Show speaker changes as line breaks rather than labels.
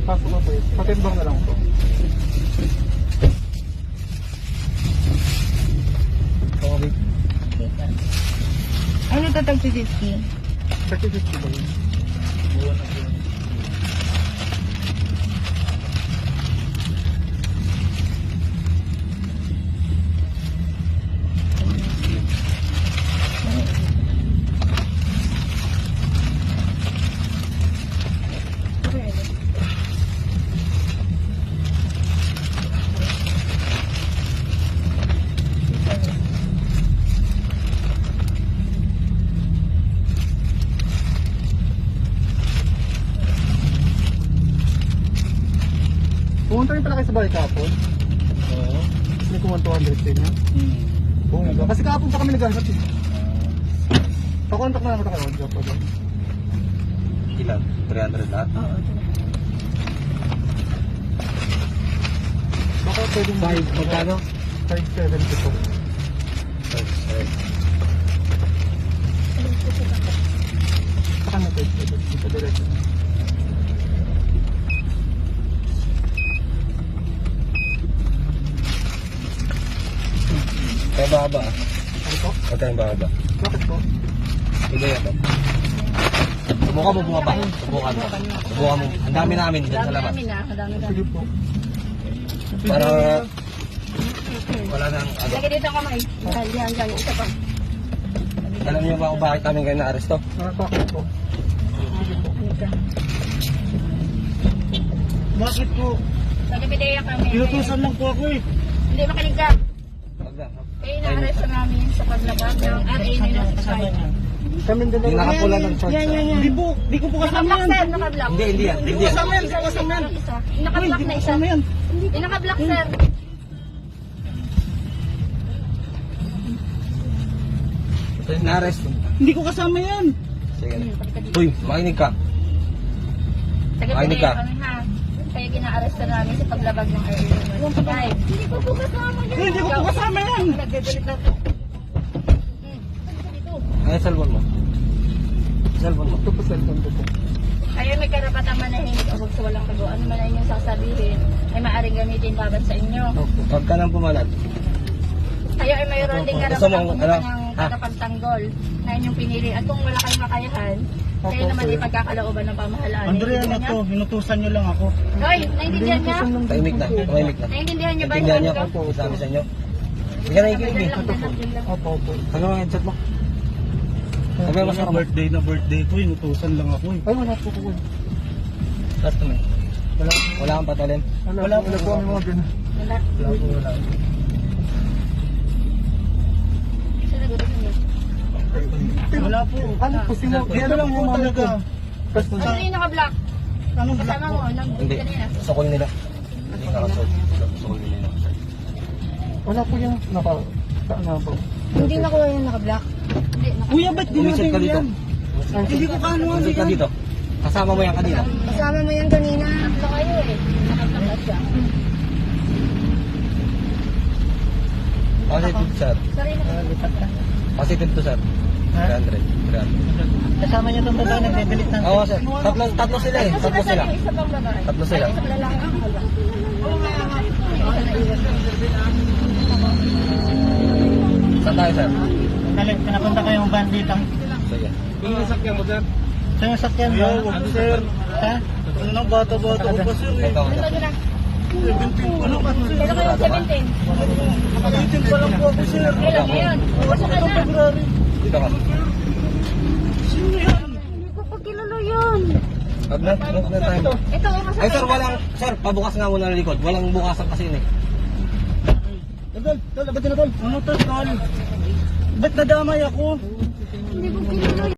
Pasok ako eh. Patimbang na lang po.
Okay.
Ano ito tag 250?
30-50 ba yun? Pumunta rin pala kayo sa balik kahapon.
Oo.
May kumuha 200 din niya. Bumaba. Kasi kahapon pa kami naghahanap eh. Pakontak na lang kita kayo. Job pa doon.
Ilan? 300 lahat?
Oo.
Baka pwedeng
5, magkano?
570 po.
5,
Saka na 570. Dito diretso.
Kaya baba.
Ano po?
Huwag kayong baba.
Bakit po?
Sige yan. Subukan mo bumaba. Subukan mo. Subukan mo. Ang dami namin dyan sa labas.
Sige po.
Para wala nang ano.
Lagi dito kamay. Yan. Isa pa.
Alam niyo ba kung bakit namin kayo na-aresto?
Bakit po? Sige po.
Bakit po?
Nagbibideya kami.
Inutusan lang po ako eh.
Hindi makinig ka.
Wag na.
Kaya na-arrest namin sa paglabag ng RA nila sa site.
Kami din
Yung nakapula ng shorts.
Di ko po kasama
Naka-block
yan.
sir, naka-block.
Hindi yan. Hindi yan.
Kasama yan, kasama yan.
Yung naka-block na isa.
Kasama yan.
Yung naka-block sir.
Na-arrest.
Hindi ko kasama yan.
Sige na. Uy, makinig ka. Makinig ka.
Kami ha. Kaya gina-arrest namin sa paglabag ng RA nila. Hindi ko po kasama yan.
Hindi ko po kasama yan.
Nagagalit na to.
Ano cellphone mo? Cellphone mo.
Ito po cellphone ko po.
Kayo may karapatan manahimik o huwag sa walang kago. Ano man ang inyong sasabihin ay maaaring gamitin laban sa inyo.
Huwag ka nang pumalag.
Kayo ay mayroon ding
Gusto
karapatan
mo,
kumuha
ano?
ng
Ha?
tagapagtanggol na inyong pinili. At kung wala kayong makayahan, kayo
Opo,
naman
sir.
ipagkakalooban ng pamahalaan.
Andrea na
Naiintindihan
to,
niyo?
inutusan nyo lang ako.
Hoy, naiintindihan niya?
Tahimik na. Tahimik na.
Naiintindihan niyo ba
Intindihan niyo?
yung
Opo, sabi sa inyo. Hindi ka nakikinig eh.
Opo, opo.
Ano ang headset mo? Sabi mo sa
Birthday ko, inutusan lang ako eh.
Ay, wala po po.
Last mo. Wala kang patalim.
Wala po kami mga ganun.
Wala.
Wala.
Sinagutin niyo.
Wala po.
Ano po, sino?
Dito lang po talaga.
Tapos
Ano yung naka-block?
Anong black
Kasama
po?
mo, nang
Hindi.
kanina.
Sukol nila. Hindi ka kasol. Sukol nila.
wala po yung ano po.
Hindi na ko yung naka-block. Hindi,
Kuya, ba't di
Umisit
natin
ka dito.
yan? Hindi ko kanuhan
Umisit ka
yan.
dito. Kasama mo yan kanina.
kasama mo yan kanina. Naka kayo eh. Naka-block na siya.
Positive sir.
Sarili na.
Positive to sir. 300. 300.
Kasama niya itong babae nagbibilit ng...
Oo sir. Tatlo sila eh. Tatlo sila.
Isa pang babae.
Tatlo sila.
Ay, isa pang lalaki.
Saan tayo sir?
Pinapunta ko yung banditang...
Sige.
Saan yung sakyan mo?
Ano, sir?
Ha? Ano, bata-bata ko pa sir eh.
Ikaw sir.
Ano na?
Ano ka sir?
Kailan kayo 17?
18 pa lang po ako sir.
Kailan ngayon? Basta ka na.
February.
Dito ka.
Sino yan?
Hindi ko pa kilala yun.
Wag na. Wag na tayo.
Ito, masakay.
Ay sir, walang... Sir, pabukas nga muna ng likod. Walang bukasan kasi yun eh.
Tol, ba't na tol? Ano tol, tol? Ba't nadamay ako?
Hindi ko kilala